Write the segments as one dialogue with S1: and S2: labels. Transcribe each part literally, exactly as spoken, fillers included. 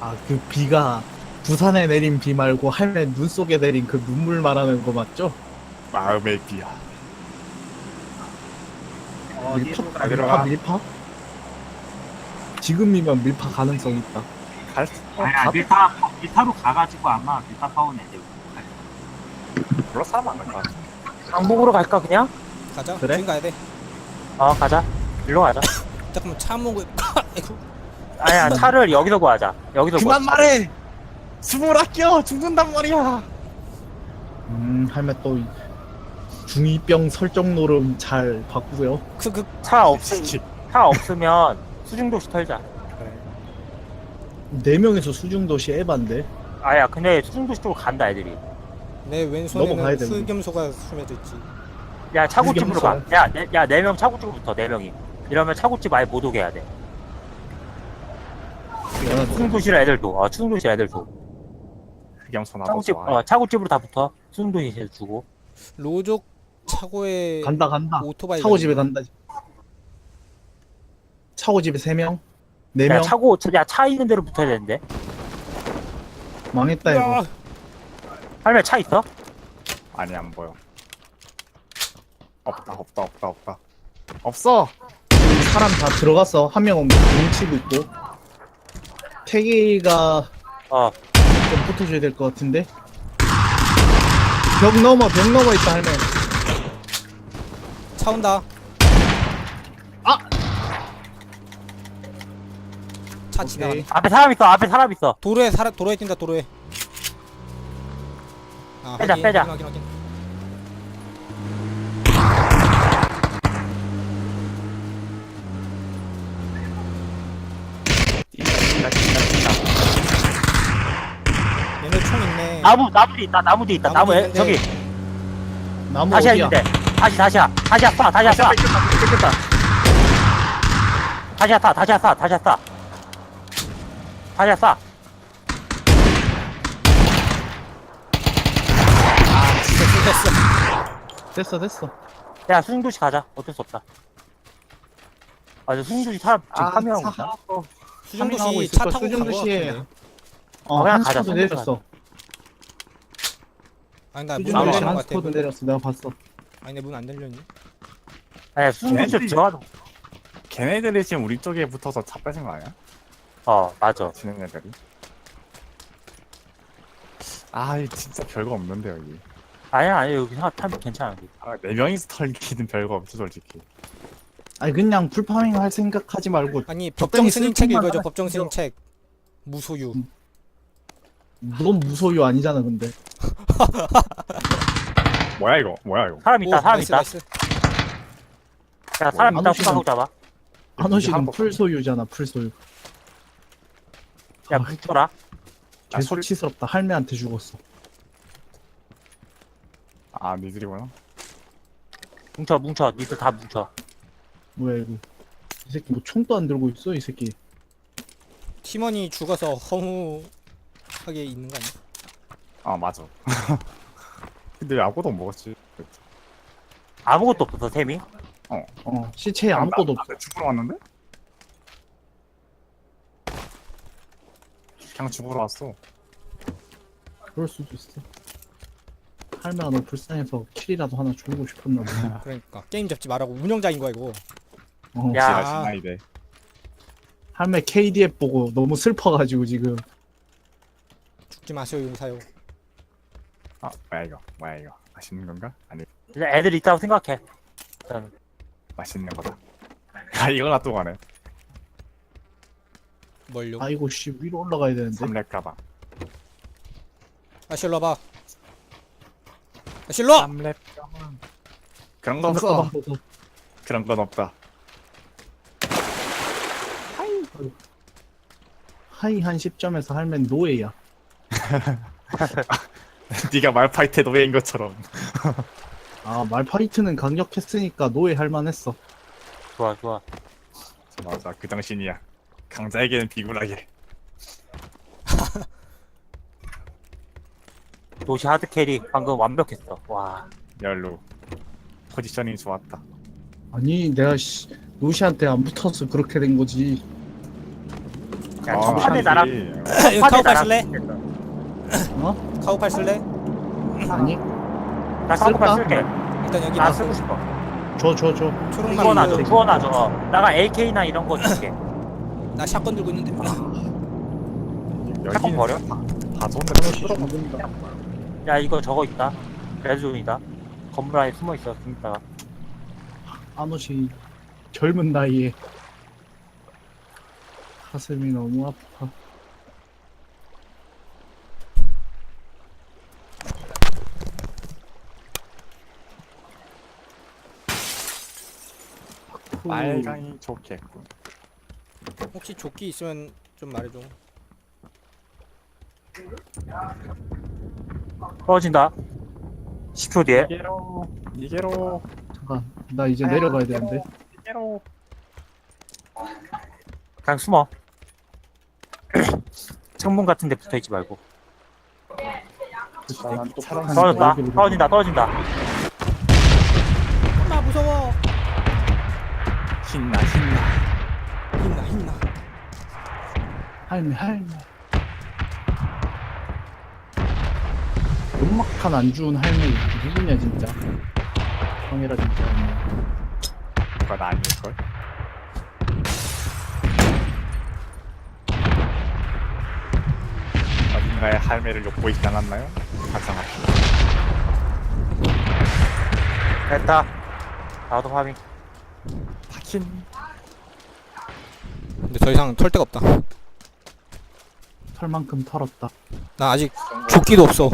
S1: 아, 그 비가 부산에 내린 비 말고 할매 눈 속에 내린 그 눈물 말하는 거 맞죠?
S2: 마음의 비야.
S1: 밀파?
S3: 어디로
S1: 아,
S3: 갈
S1: 밀파
S2: 들어가.
S1: 밀파? 지금이면 밀파 가능성 있다.
S2: 갈 수, 어,
S3: 아야
S2: 가도
S3: 밀타 밀타로 가가지고 아마 밀타 파운 애들
S2: 별로 사람 안 갈까?
S4: 강북으로 갈까 그냥?
S5: 가자.
S1: 그래?
S5: 지금 가야 돼.
S4: 어 가자. 일로 가자.
S5: 잠깐만 차 먹을. 아이고.
S4: 아니야 차를 여기서 구하자. 여기서
S1: 그만
S4: 구하자.
S1: 말해!
S2: 숨을 아껴 죽는단 말이야.
S1: 음, 할매 또 중이병 설정 노름 잘 바꾸고요.
S5: 그그
S4: 차 없으 차 없으면 수중도시 털자.
S1: 네 명에서 수중도시 에반데.
S4: 아야 근데 수중도시 쪽으로 간다 애들이.
S5: 내
S1: 넘어가야
S5: 왼손에는
S1: 돼, 우리.
S5: 흑염소가 숨어져 있지.
S4: 야 차고집으로 가.
S1: 의견서.
S4: 야야네 명 차고집으로 붙어 네 명이. 이러면 차고집 아예 못 오게 해야 돼. 수중도시로 애들 줘. 어 수중도시 애들 줘.
S2: 흑염소 나도
S4: 차고집
S2: 좋아.
S4: 어 차고집으로 다 붙어. 수중도시 주고.
S5: 로족 차고에
S1: 간다 간다.
S5: 오토바이.
S1: 차고 집에 간다. 차고 집에 세 명? 네
S4: 야
S1: 명?
S4: 차고 야차 있는 데로 붙어야 되는데.
S1: 망했다 이거.
S5: 야,
S4: 할매 차 있어?
S2: 아니 안 보여. 없다 없다 없다 없다. 없어.
S1: 사람 다 들어갔어. 한 명은 뭉치고 있고. 태기가
S4: 어.
S1: 좀 붙어줘야 될 것 같은데. 벽 넘어 벽 넘어 있다 할매.
S5: 차 온다.
S1: 아!
S5: 차
S1: 오케이.
S5: 지나가네.
S4: 앞에 사람 있어. 앞에 사람 있어.
S5: 도로에 사라 도로에 뛴다 도로에. 아,
S4: 빼자,
S5: 확인,
S4: 빼자.
S5: 확인, 확인, 확인. 얘네 총 있네.
S4: 나무 나무 뒤 있다. 나무 뒤 있다.
S5: 나무
S4: 나무 에,
S5: 뒤
S4: 저기
S1: 나무
S4: 다시야
S1: 어디야?
S4: 있는데. 다시 다시야. 다시야 쏴. 다시야 쏴.
S2: 뺏겼다.
S4: 다시야 쏴. 다시야 쏴. 다시야 쏴. 다시야 쏴.
S5: 아 진짜 쏠렸어.
S1: 됐어 됐어.
S4: 야 수중도시 가자. 어쩔 수 없다. 아, 저 수중도시 사람 지금
S1: 아,
S4: 파밍하고
S1: 사-
S4: 있다.
S1: 하고
S5: 수중도시
S1: 있을
S5: 차
S1: 거야.
S5: 타고 간거
S1: 수중도시에
S5: 같은데.
S1: 어,
S4: 그냥
S1: 한
S4: 가자,
S1: 스쿼드
S4: 수중도시
S1: 내렸어.
S5: 아니 나문
S1: 수중도시
S5: 안 열리는
S1: 한
S5: 거 같아.
S1: 스쿼드 내렸어. 내가 봤어.
S5: 아니 내 문 안 열렸니?
S4: 아니 수중도시
S2: 걔네들이-
S4: 들어가도.
S2: 걔네들이 지금 우리 쪽에 붙어서 차 뺏은 거 아니야?
S4: 어 맞아.
S2: 지는 애들이. 아, 이 진짜 별거 없는데 여기.
S4: 아니야 아니 여기 사 타면 괜찮아. 여기.
S2: 아, 네 명이서 털기는 별거 없어 솔직히.
S1: 아니 그냥 풀파밍 할 생각하지 말고
S5: 아니
S1: 적당히
S5: 법정 스님 책
S1: 쓸
S5: 읽어줘.
S1: 것만
S5: 법정
S1: 하나
S5: 스님 책. 무소유.
S1: 넌 무소유 아니잖아 근데.
S2: 뭐야 이거? 뭐야 이거?
S4: 사람 있다.
S5: 오,
S4: 사람
S5: 나이스,
S4: 있다.
S5: 나이스.
S4: 야 사람
S1: 안
S4: 있다.
S1: 오시면-
S4: 후방으로 잡아.
S1: 한호씨는
S2: 한복.
S1: 풀소유잖아 풀소유.
S4: 야
S1: 아,
S4: 뭉쳐라.
S2: 아, 소리-
S1: 개수치스럽다. 할매한테 죽었어.
S2: 아, 니들이구나.
S4: 뭉쳐 뭉쳐. 니들 다 뭉쳐.
S1: 뭐야 이거. 이 새끼 뭐 총도 안 들고 있어 이 새끼.
S5: 팀원이 죽어서 허무하게 있는 거 아니야?
S2: 아, 맞아. 근데 아무것도 못 먹었지.
S4: 아무것도 없어 템이.
S1: 어 시체에 아무것도 없어.
S2: 나, 나 죽으러 왔는데? 그냥 죽으러 왔어.
S1: 그럴 수도 있어. 할매가 너 불쌍해서 킬이라도 하나 주고 싶었나 보네.
S5: 그러니까 게임 잡지 말라고 운영자인 거야 이거.
S1: 어,
S4: 야.
S2: 지라 지나이대.
S1: 할매 케이디에프 보고 너무 슬퍼가지고 지금.
S5: 죽지 마세요 용사요.
S2: 아, 뭐야 이거? 뭐야 이거? 맛있는 건가? 아니,
S4: 이제 애들 있다고 생각해. 일단
S2: 맛있는 거다. 아, 이거 놔두고 가네.
S5: 뭘요?
S1: 아이고 씨 위로 올라가야 되는데.
S2: 삼렙 가방.
S5: 아 실로 와봐. 아 실로.
S2: 삼렙 가방. 그런 거 없어.
S1: 가방 벗어.
S2: 그런 건 없다.
S1: 하이 한 십 점에서 할매는 노예야.
S2: 네가 말파이트 노예인 것처럼.
S1: 아 말파이트는 강력했으니까 노예 할 만했어.
S4: 좋아 좋아.
S2: 맞아, 그 정신이야. 강자에게는 비굴하게.
S4: 도시 하드 캐리 방금 완벽했어. 와.
S2: 열로. 포지셔닝 좋았다.
S1: 아니 내가 씨, 노시한테 안 붙어서 그렇게 된 거지.
S4: 야,
S2: 아,
S4: 첫판에
S2: 한지.
S4: 나랑
S5: 여기
S4: 첫판에
S5: 카우팔
S4: 나랑
S5: 쓸래?
S4: 비슷했어.
S1: 어?
S5: 카우팔 쓸래?
S1: 아니
S4: 나 카우팔
S1: 쓸까?
S4: 쓸게.
S5: 일단 여기
S4: 나
S5: 나
S4: 쓰고 싶어.
S1: 줘 줘 줘.
S5: 초록만
S4: 주워놔줘,
S5: 있는
S4: 주워놔줘. 어, 나가 에이케이나 이런 거 줄게.
S5: 나 샷건 들고 있는데
S2: 여기는
S4: 버려?
S2: 다, 다 좋은데
S1: 하나씩
S2: 뚫어봐.
S1: 죽는다.
S4: 야, 이거 저거 있다. 레드존이다. 건물 안에 숨어 있어. 좀 있다가.
S1: 아노시 젊은 나이에 가슴이 너무 아파.
S2: 빨강이 좋겠군.
S5: 혹시 조끼 있으면 좀 말해줘.
S4: 떨어진다. 십 초 뒤에.
S2: 이게로 이게로
S1: 잠깐 나 이제 내려가야 되는데.
S2: 이게로.
S4: 그냥 숨어. 창문 같은 데 붙어 있지 말고.
S2: 차랑
S1: 한-
S4: 떨어졌다.
S1: 여기로
S4: 떨어진다. 떨어진다.
S5: 엄마 무서워.
S2: 신나 신나.
S5: 힘나 힘나.
S1: 할매 할매. 연막탄 안 주운 할매 누구냐 진짜. 형이라 진짜.
S2: 그건 아닐걸? 어딘가에 할매를 엿보 있지 않았나요? 가상합시다.
S4: 됐다. 나도 파밍.
S2: 파킨.
S5: 근데 더 이상 털 데가 없다.
S1: 털만큼 털었다.
S5: 나 아직 조끼도 없어.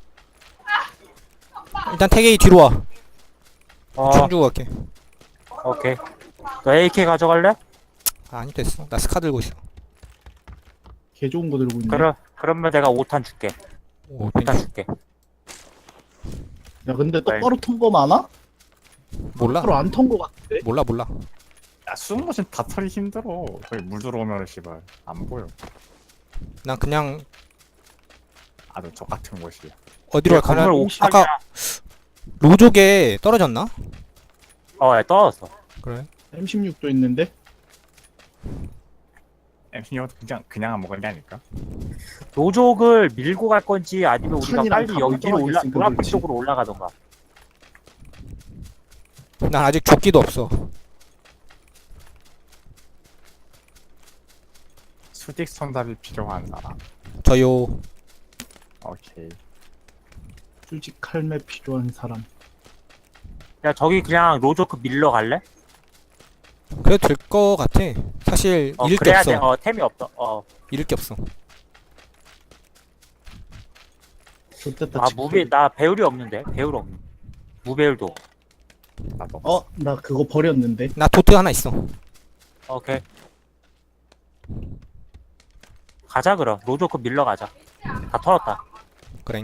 S5: 일단 태계이 뒤로 와.
S4: 어,
S5: 총 주고 갈게.
S4: 오케이. 너 에이케이 가져갈래?
S5: 아, 아니 됐어. 나 스카 들고 있어.
S1: 개 좋은 거 들고 있네.
S4: 그럼, 그러면 내가 오 탄 줄게.
S5: 오,
S4: 오 탄
S5: 땡큐.
S4: 줄게.
S1: 야 근데 똑바로 턴 거 많아?
S5: 몰라.
S1: 똑바로 안 턴 거 같은데?
S5: 몰라 몰라.
S2: 야 숨모신 다 털기 힘들어. 거기 물 들어오면 씨발 안 보여.
S5: 난 그냥
S2: 아주 저 같은 곳이야.
S5: 어디로
S4: 건물
S5: 가나.
S4: 옥상이야.
S5: 아까 로족에 떨어졌나?
S4: 어, 야, 떨어졌어.
S5: 그래.
S1: 엠 십육도 있는데?
S2: 엠피오 그냥 그냥 안 먹은 게 아닐까?
S4: 노족을 밀고 갈 건지 아니면 우리가
S1: 칸이랑
S4: 빨리
S1: 다
S4: 여기 위로 올라,
S1: 멀쩡하게
S4: 노란빛
S1: 그렇지.
S4: 쪽으로 올라가던가.
S5: 난 아직 조끼도 없어.
S2: 수직 손잡이 필요한 사람.
S5: 저요.
S2: 오케이.
S1: 수직 할매 필요한 사람.
S4: 야, 저기 그냥 로조크 밀러 갈래?
S5: 그래도 될 거 같아. 사실
S4: 어,
S5: 잃을 게
S4: 그래야
S5: 없어.
S4: 돼. 어, 템이 없어. 어.
S5: 잃을 게 없어.
S1: 좋됐다.
S4: 아, 무배, 나 배율이 없는데? 배율 없는. 무배율도.
S2: 나도.
S1: 어? 나 그거 버렸는데.
S5: 나 도트 하나 있어.
S4: 오케이. 가자, 그럼. 로조크 밀러 가자. 다 털었다.
S5: 그래.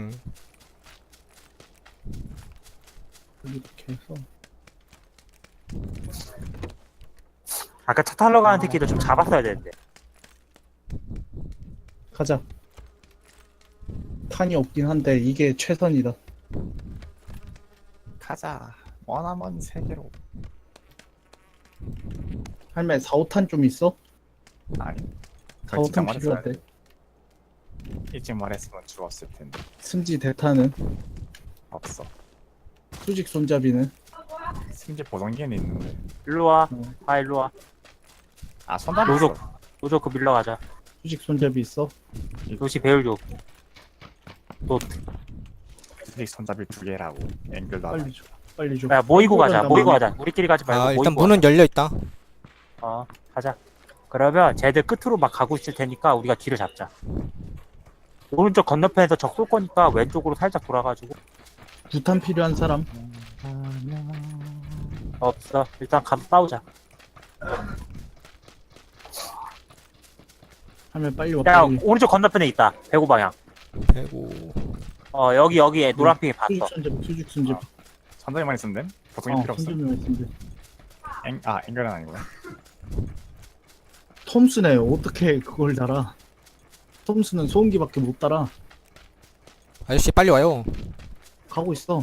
S1: 이렇게 해서.
S4: 아까 차 타러 가는 새끼도 좀 잡았어야 되는데.
S1: 가자. 탄이 없긴 한데 이게 최선이다.
S2: 가자. 원하면 세계로.
S1: 할매 사, 오 탄 좀 있어?
S2: 아니.
S1: 사, 오
S2: 진짜
S1: 탄
S2: 말했어야
S1: 필요하대.
S2: 일찍 말했으면 죽었을 텐데.
S1: 승지 대탄은?
S2: 없어.
S1: 수직 손잡이는?
S2: 심지어 보정기는 있는데.
S4: 일로 와.
S1: 어.
S4: 아, 일로 와.
S2: 아 손잡이
S4: 로족.
S2: 있어.
S4: 로조크 밀러 가자.
S1: 수직 손잡이 있어?
S4: 도시 배율 줘. 또,
S2: 수직 손잡이 두 개라고. 앵글도
S1: 빨리 줘. 빨리 줘.
S4: 야, 모이고 가자.
S1: 나
S4: 모이고
S1: 많이-
S4: 가자. 우리끼리 가지 말고
S5: 아, 일단
S4: 모이고
S5: 문은 열려 있다.
S4: 가자. 어, 가자. 그러면 쟤들 끝으로 막 가고 있을 테니까 우리가 뒤를 잡자. 오른쪽 건너편에서 적 쏠 거니까 왼쪽으로 살짝 돌아가지고.
S1: 구탄 필요한 사람?
S4: 없어. 일단 가 싸우자.
S1: 할매 빨리 와.
S4: 야,
S1: 빨리.
S4: 오른쪽 건너편에 있다. 배구 방향.
S5: 배고.
S4: 어, 여기 여기에 노란핑이 봤어.
S1: 수직 손잡이. 수직 손잡이.
S2: 손잡이만 있으면 됨? 보정기
S1: 어,
S2: 필요 없어.
S1: 손잡이만 있으면 돼.
S2: 앵, 아 앵글은 아니구나.
S1: 톰스네 어떻게 그걸 달아? 톰스는 소음기밖에 못 달아.
S5: 아저씨 빨리 와요.
S1: 가고 있어.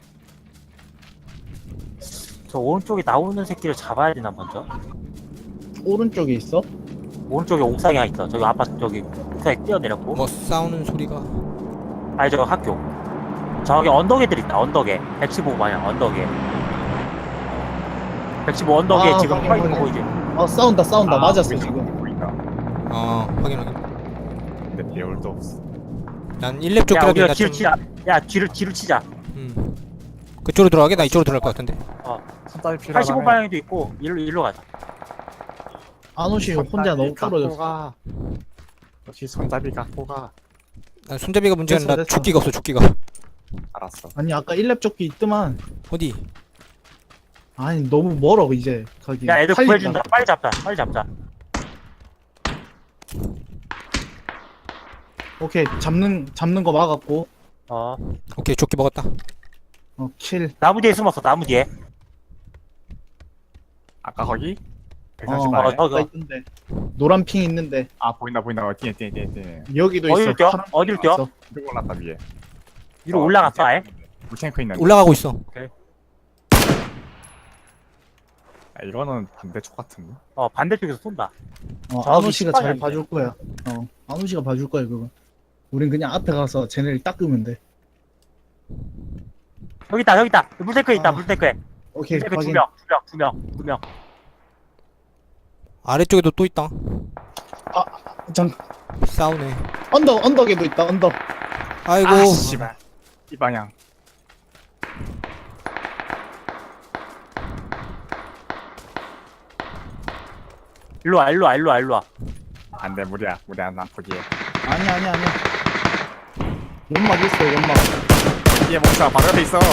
S4: 저 오른쪽에 나오는 새끼를 잡아야 되나 먼저?
S1: 오른쪽에 있어?
S4: 오른쪽에 옥상에 있어. 저기 아파트 저기 옥상에 뛰어내렸고.
S5: 뭐 싸우는 소리가.
S4: 아니 저 학교. 저기 언덕에들 있다. 언덕에. 백십오 방향 언덕에. 백십오 언덕에
S1: 아,
S4: 지금
S1: 확인,
S4: 파이터
S1: 확인.
S4: 보이지?
S1: 아 싸운다 싸운다
S2: 아,
S1: 맞았어
S2: 보인다,
S1: 지금.
S2: 보인다.
S5: 어 확인 확인.
S2: 근데 배울도 없어.
S5: 난 일 렙
S4: 야
S5: 쪽이라도
S4: 우리가
S5: 나
S4: 뒤를
S5: 좀.
S4: 치자. 야 뒤를 뒤를 치자.
S5: 음. 그쪽으로 들어가게? 나 이쪽으로 들어갈 것 같은데.
S2: 손잡이
S4: 팔십오
S2: 필요하다며.
S4: 방향도 있고 일로 일로 가자.
S1: 안오시 혼자 너무 떨어졌어.
S2: 가. 역시 손잡이 갖고 가.
S5: 난 손잡이가 문제가
S1: 됐어,
S5: 아니라
S1: 됐어.
S5: 조끼가 없어 조끼가.
S2: 알았어.
S1: 아니 아까 일 렙 조끼 있더만.
S5: 어디?
S1: 아니 너무 멀어 이제 거기.
S4: 야 애들
S1: 살린다.
S4: 구해준다. 빨리 잡자. 빨리 잡자.
S1: 오케이 잡는 잡는 거 막았고.
S4: 어
S5: 오케이 조끼 먹었다.
S1: 어 킬.
S4: 나무 뒤에 숨었어. 나무 뒤에.
S2: 아까 거기?
S1: 어,
S2: 백삼십
S4: 어,
S2: 발.
S4: 저-
S1: 아까 있는데 노란 핑 있는데
S2: 아 보인다 보인다. 어, 뛰네 뛰네 뛰네 뛰네.
S1: 여기도
S4: 어딜
S1: 있어.
S4: 뛰어?
S1: 파란
S4: 어딜
S1: 핑
S4: 뛰어?
S1: 있어.
S2: 위로 올랐다 위에.
S4: 위로 올라갔어 아예?
S2: 물탱크 있는데.
S5: 올라가고 있어.
S2: 아, 이거는 반대쪽 같은데.
S4: 어 반대쪽에서 쏜다.
S1: 어
S4: 저기
S1: 안오시가 잘
S4: 식빵이
S1: 봐줄 거야. 어 안오시가 봐줄 거야 그거. 우린 그냥 앞에 가서 쟤네를 닦으면 돼.
S4: 여기 있다 여기 있다. 물탱크에 있다
S1: 아.
S4: 물탱크에.
S1: 오케이
S4: 물탱크
S1: 확인.
S4: 두명두명두명두명
S5: 아래쪽에도 또 있다.
S1: 장
S5: 싸우네.
S1: 언덕 언덕에도 있다 언덕.
S5: 아이고.
S2: 아 씨발. 이 방향.
S4: 일로 와 일로 와 일로 와 일로 와.
S2: 안돼 무리야 무리야 나 포기해.
S1: 아니야 아니야 아니야. 연막 있어 연막.
S2: 얘 멍청아 바로 옆에 있어.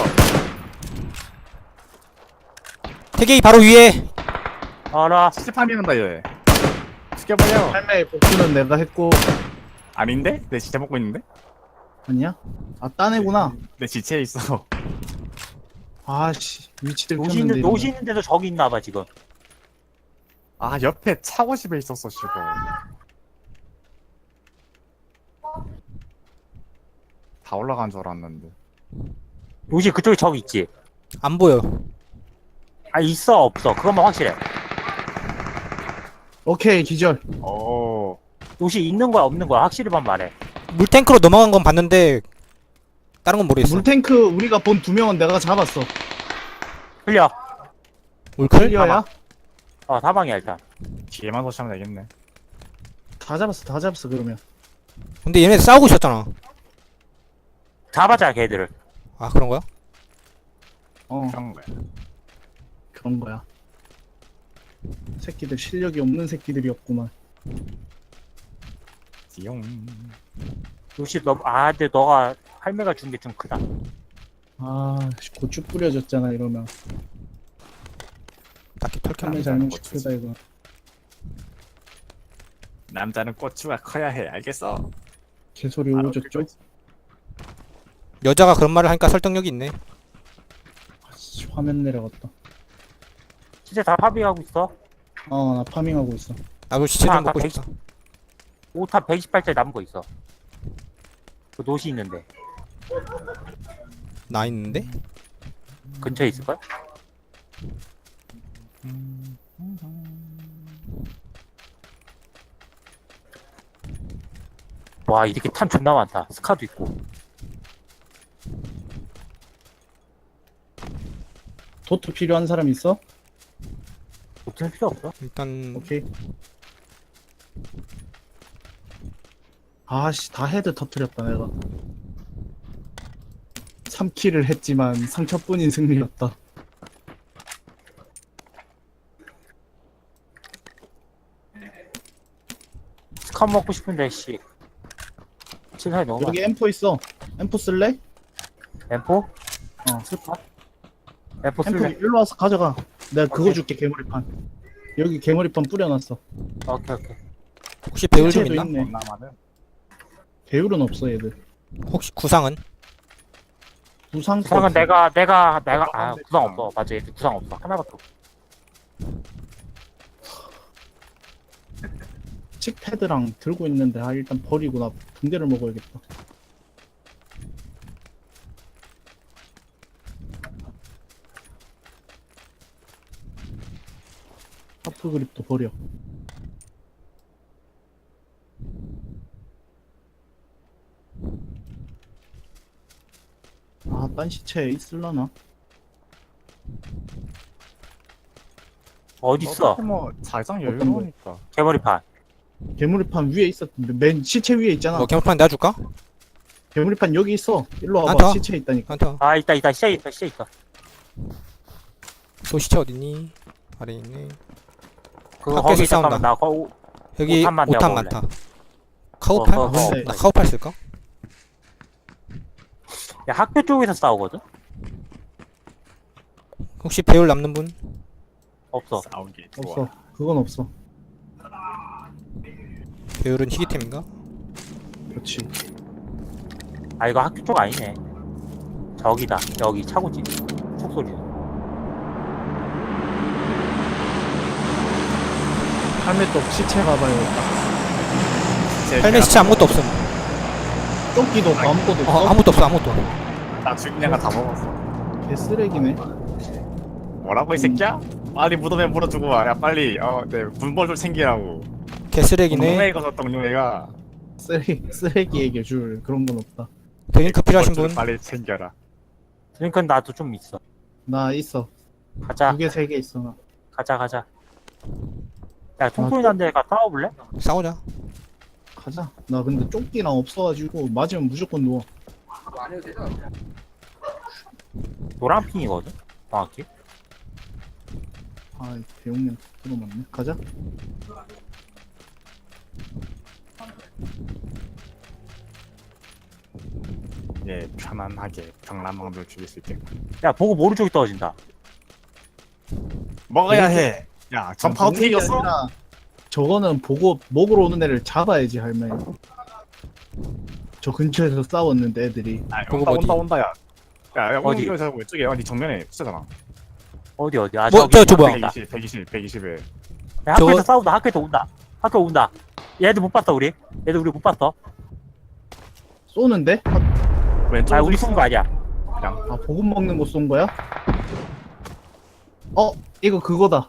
S5: 태계이 바로 위에.
S4: 알아.
S2: 칠십팔이는다 얘. 죽여버려.
S1: 할매 복수는 내가 했고.
S2: 아닌데? 내 지체 먹고 있는데?
S1: 아니야? 아 따내구나.
S2: 내 지체에 있어.
S1: 아씨 위치들
S4: 노시
S1: 켰는데
S4: 있는
S1: 이러면.
S4: 노시 있는데도 저기 있나봐 지금.
S2: 아 옆에 차고집에 있었어 씨발. 다 올라간 줄 알았는데.
S4: 노시 그쪽에 저기 있지.
S5: 안 보여.
S4: 아 있어 없어 그것만 확실해.
S1: 오케이 기절.
S2: 오.
S4: 노시 있는 거야 없는 거야 확실히만 말해.
S5: 물탱크로 넘어간 건 봤는데 다른 건 모르겠어.
S1: 물탱크 우리가 본 두 명은 내가 잡았어.
S4: 흘려.
S5: 물클?
S1: 클리어야?
S4: 어 사방이야 일단.
S2: 뒤에만 도시하면 되겠네.
S1: 다 잡았어 다 잡았어 그러면.
S5: 근데 얘네 싸우고 있었잖아.
S4: 잡아자 걔들을.
S5: 아 그런 거야?
S1: 어
S2: 그런 거야.
S1: 그런 거야. 새끼들 실력이 없는 새끼들이었구만.
S2: 띠용.
S4: 노시 너아 근데 너가 할매가 준 게 좀 크다.
S1: 아 고추 뿌려졌잖아 이러면.
S5: 딱히 털게
S1: 할매
S5: 안
S1: 잘못
S2: 고추지.
S1: 시크다 이거.
S2: 남자는 고추가 커야 해. 알겠어?
S1: 개소리
S2: 바로
S1: 오졌죠?
S2: 그거지.
S5: 여자가 그런 말을 하니까 설득력이 있네.
S1: 아씨 화면 내려갔다.
S4: 진짜 다 파밍하고 있어.
S1: 어 나 파밍하고 있어.
S5: 나도 시체
S4: 아,
S5: 좀 먹고
S4: 아까
S5: 싶다.
S4: 오탄 백이십팔 짜리 남은 거 있어. 그 노시 있는데
S5: 나 있는데?
S4: 근처에 있을걸? 와 이렇게 탄 존나 많다. 스카도 있고.
S1: 도트 필요한 사람 있어?
S4: 도트는 필요 없어.
S5: 일단
S1: 오케이. 아씨 다 헤드 터트렸다 내가. 삼 킬을 했지만 상처뿐인 승리였다.
S4: 스카 먹고 싶은데 씨. 칠살이 너무 많아.
S1: 여기 엠포 있어. 엠포 쓸래?
S4: 엠포?
S1: 어.
S4: 쓸까? 엠포
S1: 엠포
S4: 쓸래?
S1: 일로 와서 가져가. 내가 그거
S4: 오케이.
S1: 줄게 개머리판. 여기 개머리판 뿌려놨어.
S4: 오케이 오케이.
S5: 혹시 배울 좀
S1: 해체도
S5: 있나?
S1: 있네.
S2: 나만은
S1: 배율은 없어 얘들.
S5: 혹시 구상은?
S1: 부상
S4: 구상은 내가 내가 내가 아
S2: 구상은
S4: 구상
S2: 됐잖아.
S4: 없어. 맞아 얘들 구상 없어. 하나밖에 없어.
S1: 칙패드랑 들고 있는데 아 일단 버리고 나 붕대를 먹어야겠다. 하프 그립도 버려. 아, 딴 시체 있을라나?
S4: 어딨어?
S2: 어차피 뭐 자기장
S1: 어떤
S2: 여유로우니까.
S4: 개머리판.
S1: 개구리판 위에 있었는데 맨 시체 위에 있잖아.
S5: 뭐 개물판 내가 줄까?
S1: 개구리판 여기 있어. 일로
S5: 안
S1: 와봐.
S5: 타.
S1: 시체 있다니까.
S5: 한타.
S4: 아 있다 있다 시체 있다 시체 있다.
S5: 소시체 어딨니? 아래 있네.
S4: 그거
S5: 밖에서
S4: 거기 잠깐만
S5: 싸운다.
S4: 나 거,
S5: 여기
S4: 오탄만
S5: 오탄
S4: 내가
S5: 많다. 카우팔?
S4: 어, 어,
S1: 어.
S5: 나 카우팔 쓸까?
S4: 야 학교 쪽에서 싸우거든?
S5: 혹시 배울 남는 분?
S4: 없어.
S2: 싸우기 좋아.
S1: 없어. 그건 없어.
S5: 배율은 희귀템인가?
S1: 그렇지.
S4: 아 이거 학교 쪽 아니네. 저기다 여기 차고지. 총소리.
S1: 할매 또 시체 가봐요.
S5: 헬멧 시체 아무것도 없음.
S1: 쫓기도 없고 아무것도
S5: 어,
S1: 없어.
S5: 아무것도 없어, 아무것도.
S2: 나 죽인 애가 다 먹었어.
S1: 개쓰레기네.
S2: 뭐라고 이 새끼야? 빨리 무덤에 물어주고 와. 야 빨리 어내 군벌 좀 챙기라고.
S5: 개쓰레기네.
S2: 동료애 가서 동료애가
S1: 쓰레기, 쓰레기에게 줄 그런 건 없다.
S5: 드링크 필요하신
S2: 군벌
S5: 분?
S2: 좀 빨리 챙겨라.
S4: 그러니까 나도 좀 있어.
S1: 나 있어.
S4: 가자
S1: 두 개, 세 개 있어, 나.
S4: 가자 가자. 야 총소리 난 데가 싸워볼래?
S5: 싸우자.
S1: 가자. 나 근데 쫓기랑 없어가지고 맞으면 무조건 누워.
S4: 노란 핑이거든? 정확히.
S1: 아, 배용량 들어맞네. 가자.
S2: 예 편안하게 병남왕들 죽일 수 있게.
S4: 야 보고 모른 쪽이 떨어진다.
S2: 먹어야 해. 야 전파 어떻게
S1: 먹는 게
S2: 이겼어?
S1: 아니라 저거는 보고 먹으러 오는 애를 잡아야지, 할매. 저 근처에서 싸웠는데 애들이.
S2: 아,
S5: 보고
S2: 온다
S5: 어디?
S2: 온다 온다 야. 야, 야
S4: 어디?
S2: 어디? 저 왼쪽에 아니 정면에 숫자잖아.
S4: 어디 어디? 아
S5: 뭐,
S4: 저기
S5: 저, 저 뭐야?
S4: 있다.
S2: 백이십, 백이십, 백이십에.
S4: 야, 학교에서
S5: 저거-
S4: 싸운다. 학교에서 온다. 학교 온다. 얘들 못 봤어 우리. 얘들 우리 못 봤어.
S1: 쏘는데? 아,
S2: 왼쪽.
S4: 아 우리 쏜 거 아니야.
S2: 그냥
S1: 아, 보급 먹는 거 쏜 거야? 어, 이거 그거다.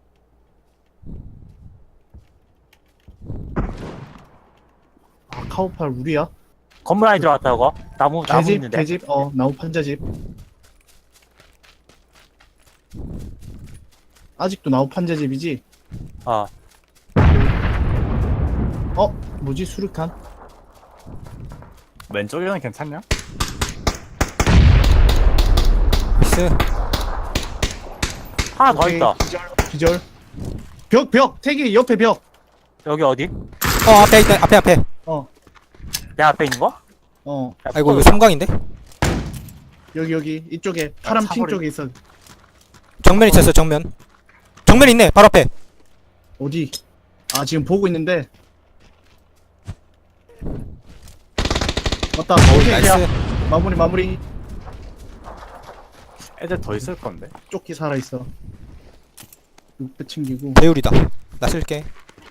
S1: 아, 카우팔 우리야?
S4: 건물 안에 들어갔다 이거. 나무 나무
S1: 개집,
S4: 있는데.
S1: 개집, 어, 나무 판자집. 아직도 나무 판자집이지?
S4: 어.
S1: 어, 뭐지, 수류탄?
S2: 왼쪽에는 괜찮냐?
S5: 나이스.
S4: 하나 더
S1: 오케이,
S4: 있어.
S1: 기절, 기절. 벽, 벽! 태기 옆에 벽!
S4: 여기 어디?
S5: 어, 앞에 있다, 앞에, 앞에.
S1: 어,
S4: 내 앞에 있는 거?
S1: 어,
S4: 야,
S5: 아이고, 이거
S4: 또-
S5: 섬광인데?
S1: 여기, 여기, 이쪽에, 파란 핑
S2: 차버리-
S1: 쪽에 있어.
S5: 정면 있었어, 정면. 정면 있네, 바로 앞에.
S1: 어디? 아, 지금 보고 있는데. 맞다, 오케이.
S5: 나이스.
S1: 마무리, 마무리.
S2: 애들 더 있을 건데.
S1: 조끼 살아있어. 육배 챙기고.
S5: 배율이다. 나 쓸게.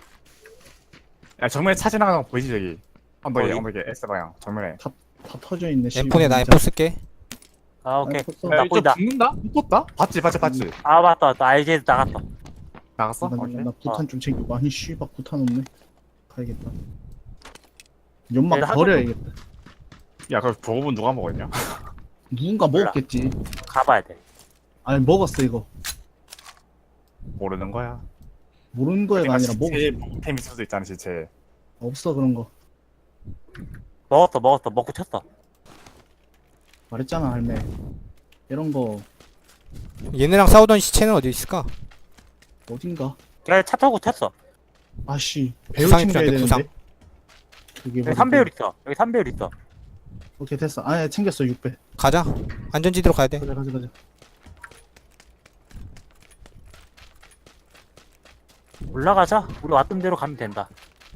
S2: 야 정면에 차 지나가는 거 보이지 저기. 언덕에
S4: 어디?
S2: 언덕에 S 방향 정면에.
S1: 다 터져있네, 씨.
S5: 엠폰에 나 엠포 쓸게.
S4: 아 오케이.
S1: 엠포
S4: 나 보인다.
S2: 죽는다? 붙었다? 봤지 봤지 봤지.
S4: 아 맞다 맞다. 알제도 나갔어.
S2: 나갔어?
S1: 나, 나,
S2: 오케이.
S1: 나 구탄 좀 챙기고. 아니, 씨발, 구탄 없네. 가야겠다. 연막
S4: 얘들 한
S1: 버려야겠다.
S2: 야 그럼 보급은 누가 먹었냐?
S1: 누군가
S4: 몰라.
S1: 먹었겠지.
S4: 가봐야 돼.
S1: 아니, 먹었어, 이거.
S2: 모르는 거야.
S1: 모르는 거가 아니라 먹었어.
S2: 제 보급템 있을 수도 있잖아 진짜.
S1: 없어, 그런 거.
S4: 먹었어 먹었어 먹고 쳤어.
S1: 말했잖아, 할매. 이런 거,
S5: 얘네랑 싸우던 시체는 어디 있을까?
S1: 어딘가.
S4: 걔 차 타고 쳤어.
S1: 아씨, 배율
S5: 부상이
S1: 챙겨야
S5: 필요한데,
S1: 되는데. 그게
S4: 여기
S1: 뭐지?
S4: 삼 배율 있어. 여기 삼 배율 있어.
S1: 오케이, 됐어. 아니, 챙겼어, 육 배.
S5: 가자. 안전지대로 가야 돼.
S1: 가자, 가자, 가자.
S4: 올라가자. 우리 왔던 대로 가면 된다.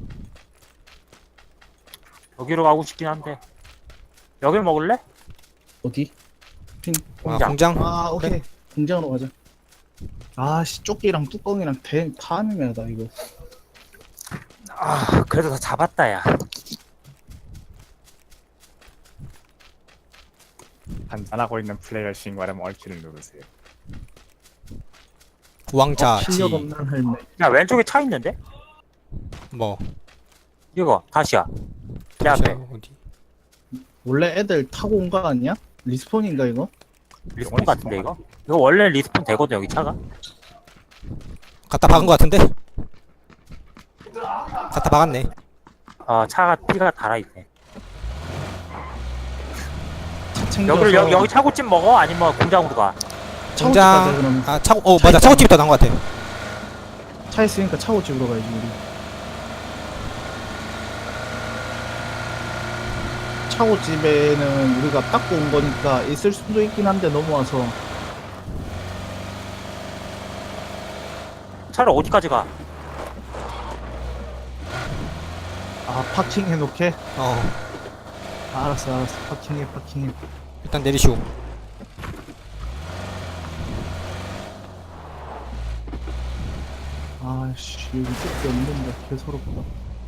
S4: 여기로 가고 싶긴 한데. 여길 먹을래?
S1: 어디? 핑.
S5: 아,
S4: 공장.
S5: 공장.
S1: 아, 오케이. 공장으로 가자. 아씨, 조끼랑 뚜껑이랑 대, 다 애매하다, 이거.
S4: 아 그래도 다 잡았다 야.
S2: 한잔하고 있는 플레이어 신고하려면 얼키를 누르세요.
S5: 왕자
S1: 실력
S5: 지
S1: 없는 할매.
S4: 야 왼쪽에 차 있는데?
S5: 뭐
S4: 이거 다시야. 내 앞에
S5: 어디
S1: 원래 애들 타고 온 거 아니야? 리스폰인가 이거?
S4: 리스폰 같은데 이거? 이거 원래 리스폰 되거든 여기 차가.
S5: 갖다 박은 거 같은데? 갖다 박았네.
S4: 어 차가 피가 달아있네.
S1: 차 챙겨서
S4: 여기를 여기, 여기 차고집 먹어? 아니면 공장으로 가?
S1: 차고집 가자
S5: 공장
S1: 그럼.
S5: 아 차고 어
S1: 차
S5: 맞아
S1: 있잖아.
S5: 차고집이 더 나은 거 같아.
S1: 차 있으니까 차고집으로 가야지 우리. 차고집에는 우리가 닦고 온 거니까 있을 수도 있긴 한데 넘어와서.
S4: 차를 어디까지 가?
S1: 아 파킹 해놓게?
S5: 어
S1: 아, 알았어 알았어 파킹해 파킹해.
S5: 일단 내리시오.
S1: 아씨 여기 뜯기 없는데 개서럽다.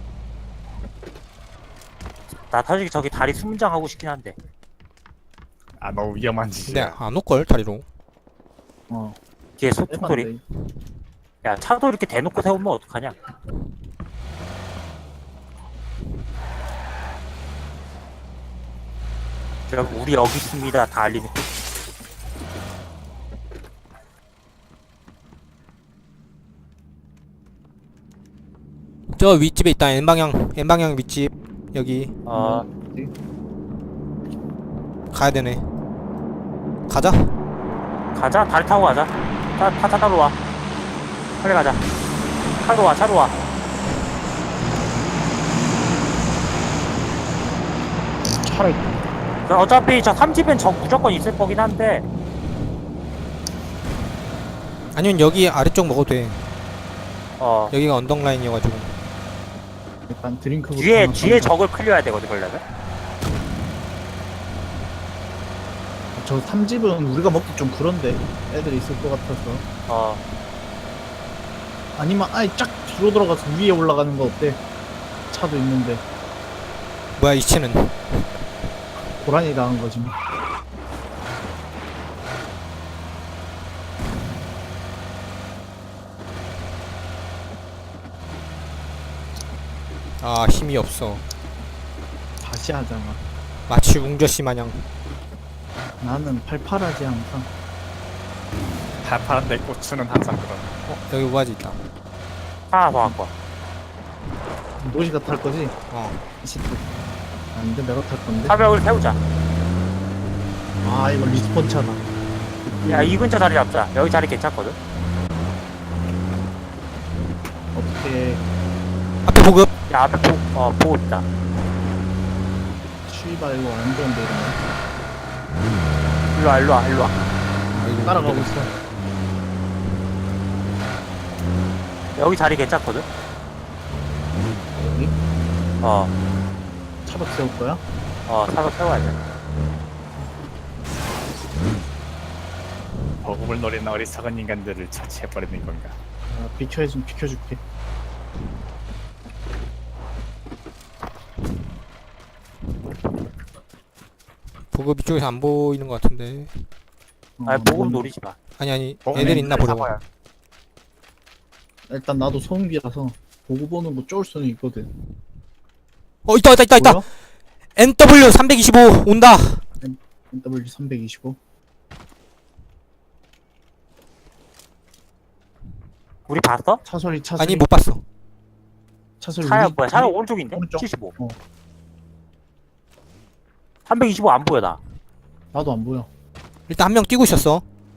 S4: 나 사실 저기 다리 수문장 하고 싶긴 한데.
S2: 아 너무 위험한
S5: 근데
S2: 짓이야.
S5: 안 올걸 다리로.
S1: 어
S4: 뒤에 소통 소리.
S1: 에반데.
S4: 야 차도 이렇게 대놓고 세우면 어떡하냐? 여러분 우리 여기 있습니다. 다 알리는.
S5: 저 윗집에 있다. N방향 N방향 윗집 여기
S4: 어
S5: 가야 되네. 가자.
S4: 가자. 다리 타고 가자. 차, 차, 차 타러 와. 빨리 가자. 차로 와. 차로 와.
S1: 차를
S4: 저 어차피 저 삼집엔 저 무조건 있을 거긴 한데.
S5: 아니면 여기 아래쪽 먹어도 돼.
S4: 어
S5: 여기가 언덕 라인이어가지고.
S1: 일단 드링크부터
S4: 뒤에
S1: 하나
S4: 뒤에
S1: 사자.
S4: 적을 클리어해야 되거든 그러려면.
S1: 저 삼집은 우리가 먹기 좀 그런데 애들이 있을 것 같아서.
S4: 어
S1: 아니면 아예 쫙 뒤로 들어가서 위에 올라가는 거 어때? 차도 있는데
S5: 뭐야 이 채는.
S1: 고라니 당한 거지 뭐.
S5: 아 힘이 없어.
S1: 다시 하잖아.
S5: 마치 웅저씨 마냥.
S1: 나는 팔팔하지 항상.
S2: 팔팔한데 고추는 항상 그런.
S5: 어 여기 우아지 있다.
S4: 하나 더 갖고 와.
S1: 노시가 탈 거지?
S5: 어
S1: 이십도. 안돼 내가 탈 건데.
S4: 사벽을 세우자.
S1: 아 이거 리스폰 차다.
S4: 야 이 근처 자리 잡자. 여기 자리 괜찮거든.
S1: 어떻게
S5: 앞에 보급.
S4: 야 앞에 보, 어 보고 있다.
S1: 쉬바 이거 안 좋은데 이러면.
S4: 일로 와 일로 와 일로 와.
S5: 아이고,
S1: 따라가고 있어.
S4: 여기 자리 괜찮거든.
S1: 여기
S4: 어
S1: 차박 세울 거야?
S4: 어 사벽 세워야 돼.
S2: 버금을 노리는 어리석은 인간들을 처치해버리는 건가.
S1: 아, 비켜 좀 비켜줄게.
S5: 보급 이쪽에서 안 보이는 것 같은데.
S1: 어,
S4: 아니 보급
S1: 뭐,
S4: 노리지 마.
S5: 아니 아니
S2: 어,
S5: 애들 있나 보려고.
S4: 사과야.
S1: 일단 나도 소음기라서 보고 보는 거 쫄 수는 있거든.
S5: 어 있다 있다 있다 있다.
S1: 보여?
S5: 엔더블유 삼백이십오 온다.
S1: 더블유 삼백이십오.
S4: 우리 봤어?
S1: 차 소리 차 소리.
S5: 아니 못 봤어.
S1: 차 소리.
S4: 차야
S1: 우리-
S4: 뭐야? 차는
S1: 우리-
S4: 오른쪽인데?
S1: 오른쪽.
S4: 칠십오.
S1: 어.
S4: 삼백이십오 안 보여 나.
S1: 나도 안 보여.
S5: 일단 한 명 뛰고 있었어.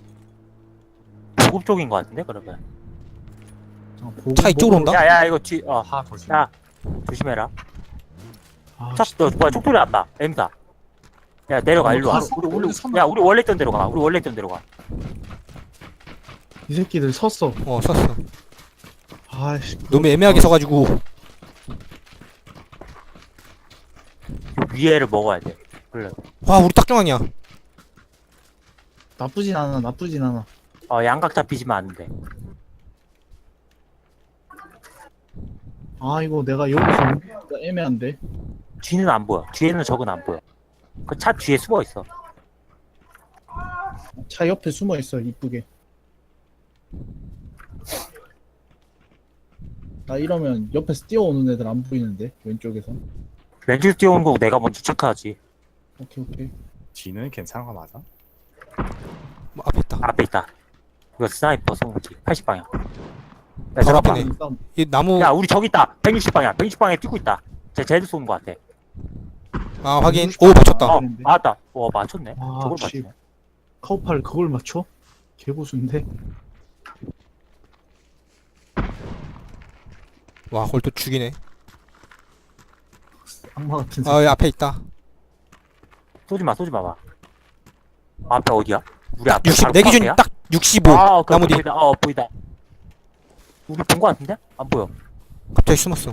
S4: 보급 쪽인 거 같은데 그러면.
S1: 아, 보고,
S5: 차 이쪽으로
S1: 보고-
S5: 온다?
S4: 야야 이거 뒤 어.
S2: 하 조심.
S4: 야 조심해라.
S1: 아,
S4: 차, 너 뭐야 촉돌이 났다. M사. 야 내려가
S1: 어,
S4: 일로 와.
S1: 가-
S4: 우리 우리
S1: 선아.
S4: 야 우리 원래 있던 데로 가. 우리 원래 있던 데로 가.
S1: 이 새끼들 섰어.
S5: 어 섰어.
S1: 아이씨.
S5: 너무 애매하게 서가지고.
S4: 그 위에를 먹어야 돼. 그래.
S5: 와 우리 딱 중앙이야.
S1: 나쁘진 않아. 나쁘진 않아.
S4: 어 양각 잡히지만 안 돼.
S1: 아 이거 내가 여기서 오기가 애매한데.
S4: 뒤는 안 보여. 뒤에는 적은 안 보여. 그 차 뒤에 숨어 있어.
S1: 차 옆에 숨어 있어 이쁘게. 나 이러면 옆에서 뛰어오는 애들 안 보이는데 왼쪽에서.
S4: 왼쪽 뛰어오는 거 내가 먼저 체크하지.
S1: 오케이 오케이.
S2: 뒤는 괜찮은 거 맞아?
S5: 뭐 앞에 있다.
S4: 앞에 있다. 이거 스나이퍼 쏘는지 팔십 방향. 야,
S5: 바로
S4: 잠깐만.
S5: 앞이네.
S1: 싸움.
S5: 이 나무
S4: 야 우리 저기 있다. 백육십 방향. 백육십 방향에 뛰고 있다. 쟤 쟤도 쏘는 거 같아.
S5: 아 확인. 오 맞췄다.
S4: 어
S1: 그랬는데.
S4: 맞다. 와 맞췄네.
S1: 아,
S4: 저걸
S1: 씨.
S4: 맞추네.
S1: 카우팔 그걸 맞춰? 개고수인데.
S5: 와 그걸 또 죽이네.
S1: 악마 같은 새끼.
S5: 아 여기 앞에 있다.
S4: 쏘지 마 쏘지 마봐. 앞에 어디야? 우리 앞에
S5: 육십
S4: 바로
S5: 내 기준
S4: 코앞이야?
S5: 딱 육십오.
S4: 아, 그
S5: 나무 뒤.
S4: 보이다. 어 보이다. 우리 본 거 같은데? 안 보여.
S5: 갑자기 숨었어.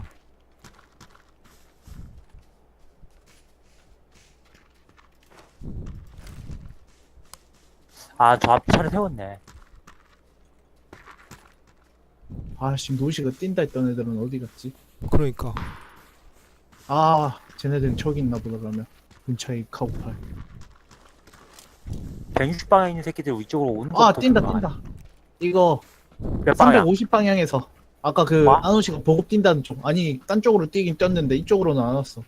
S4: 아 저 앞에 차를 세웠네.
S1: 아씨 노시가 뛴다 했던 애들은 어디 갔지?
S5: 그러니까.
S1: 아 쟤네들은 저기 있나 보다 그러면. 근처에 카우팔.
S4: 백육십 방향에 있는 새끼들 이쪽으로 오는 거.
S1: 아 뛴다 뛴다. 이거
S4: 몇 방향?
S1: 삼백오십 방향에서 아까 그
S4: 와?
S1: 안호씨가 보급 뛴다는 쪽 아니 딴 쪽으로 뛰긴 뛰었는데 이쪽으로는 안 왔어.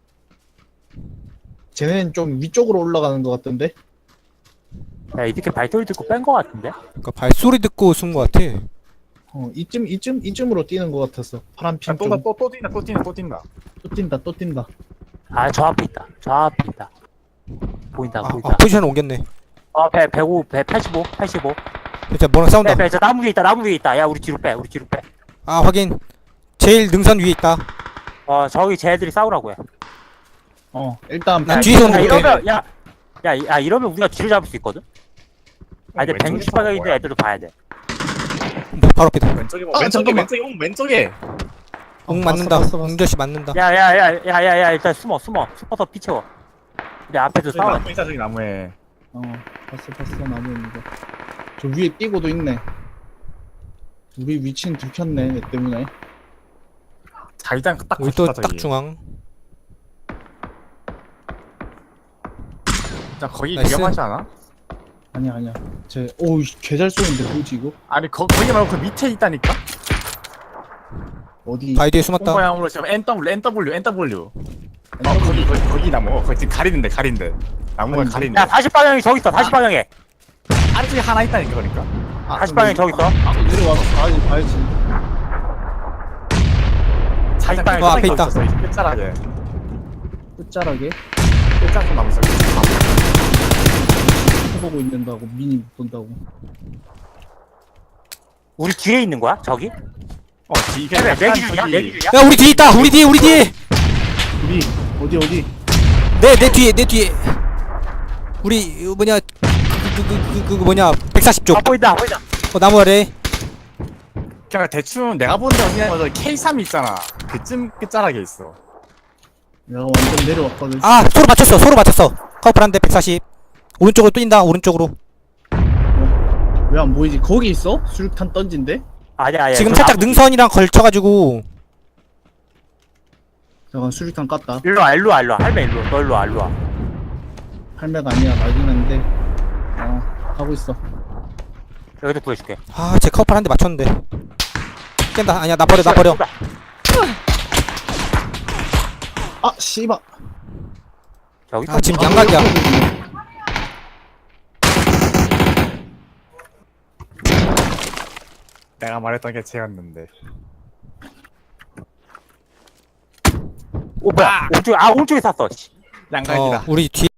S1: 쟤네는 좀 위쪽으로 올라가는 것 같던데.
S4: 야 이렇게 발소리 듣고 뺀 거 같은데?
S5: 그러니까 발소리 듣고 숨은 것 같아.
S1: 어 이쯤 이쯤 이쯤으로 뛰는 것 같았어. 파란 핀 쪽.
S2: 또또 뛴다 또 뛴다 또 뛴다.
S1: 또 뛴다 또 뛴다.
S4: 아 저 앞에 있다. 저 앞에 있다. 보인다
S5: 아,
S4: 보인다.
S5: 아 포지션 옮겼네.
S4: 어, 배, 백오, 배, 팔십오, 팔십오.
S5: 진짜 뭐랑 싸운다.
S4: 빼, 빼, 저 나무 위에 있다, 나무 위에 있다. 야, 우리 뒤로 빼, 우리 뒤로 빼.
S5: 아 확인. 제일 능선 위에 있다.
S4: 어, 저기 쟤들이 싸우라고 해.
S1: 어 일단
S5: 나
S1: 발-
S5: 뒤에서
S4: 야,
S5: 오는 거
S4: 이러면, 야, 야, 야, 이러면 우리가 뒤를 잡을 수 있거든? 아, 근데
S2: 왼쪽에
S4: 백육십 방향 있는
S2: 뭐야?
S4: 애들도 봐야 돼.
S5: 뭐 바로 앞이다.
S2: 왼쪽에 뭐
S1: 아,
S2: 왼쪽에
S1: 잠깐만.
S2: 왼쪽에 응 왼쪽에.
S5: 응
S1: 어,
S5: 맞는다.
S1: 봤어, 봤어, 봤어.
S5: 응저씨 맞는다.
S4: 야, 야, 야, 야, 야, 야, 일단 숨어, 숨어. 숨어서 피 채워. 우리 앞에서
S2: 저기
S4: 싸워.
S2: 나무 있다 저기 나무에.
S1: 어 봤어 봤어 나무 있는 거. 저 위에 뛰고도 있네. 우리 위치는 들켰네 내 때문에.
S2: 자기장 딱
S5: 우리
S2: 붙었다,
S5: 또 딱
S2: 저기.
S5: 중앙.
S2: 자 거기
S5: 나이스.
S2: 위험하지 않아?
S1: 아니야 아니야. 쟤 오우 개잘 쏘는데 뭐지 이거?
S2: 아니 거, 거기 말고 그 밑에 있다니까?
S1: 어디?
S5: 바위 뒤에 숨었다.
S2: 똥방향으로 지금 엔 더블유 엔 더블유 엔 더블유. 어 거기 거기 거기 나무 어, 거기 지금 가리는데 가린데 나무가
S1: 아니,
S2: 가리는데
S4: 야, 사십 방향이 저기 있어, 사십 방향에.
S2: 아래쪽에 하나 있다니까 그러니까.
S1: 아,
S4: 사십 방향이 저기 있어.
S1: 아, 내려와서 봐야지 봐야지.
S2: 사십
S4: 방향에
S5: 어, 앞에 있다.
S2: 끝자락에
S1: 끝자락에
S2: 끝자락 나무 있어.
S1: 해보고 있는다고 미니 못 본다고.
S4: 우리 뒤에 있는 거야, 저기?
S2: 어 이게
S4: 내
S2: 약간
S4: 기준이야?
S2: 저기-
S4: 내 기준이야?
S5: 야 우리 뒤에 있다. 우리 뒤에 우리 뒤에.
S1: 우리 어디 어디?
S5: 내 내 뒤에 내 뒤에. 우리 어, 뭐냐 그 그 그 그 뭐냐 백사십 쪽.
S4: 아, 보인다, 보인다.
S5: 어 나무 아래.
S2: 그냥 대충 내가 본 데 어디냐면 케이 삼 있잖아. 그쯤 끝자락에 있어.
S1: 내가 완전 내려왔거든.
S5: 아 서로 맞췄어. 서로 맞췄어. 커플 한 대 백사십. 오른쪽으로 뛴다. 오른쪽으로.
S1: 왜 안 보이지? 거기 있어? 수류탄 던진데?
S4: 아니야, 아니야.
S5: 지금
S4: 저
S5: 살짝
S4: 나무-
S5: 능선이랑 걸쳐가지고.
S1: 잠깐 수류탄 깠다.
S4: 일로 와, 일로 와, 일로 와. 할매 일로 와. 너 일로 와, 일로 와.
S1: 할매가 아니야 나긴 한데. 어 하고 있어.
S4: 여기서 구해줄게.
S5: 아제 커플 한 대 맞췄는데. 깬다. 아니야 나 버려 나 버려.
S1: 아 씨발.
S4: 저기
S5: 아 지금 양각이야.
S2: 내가 말했던 게 쟤였는데.
S4: 오, 뭐야? 오른쪽에, 아, 오른쪽에 샀어. 씨.
S2: 양각이다.
S5: 어 우리 뒤에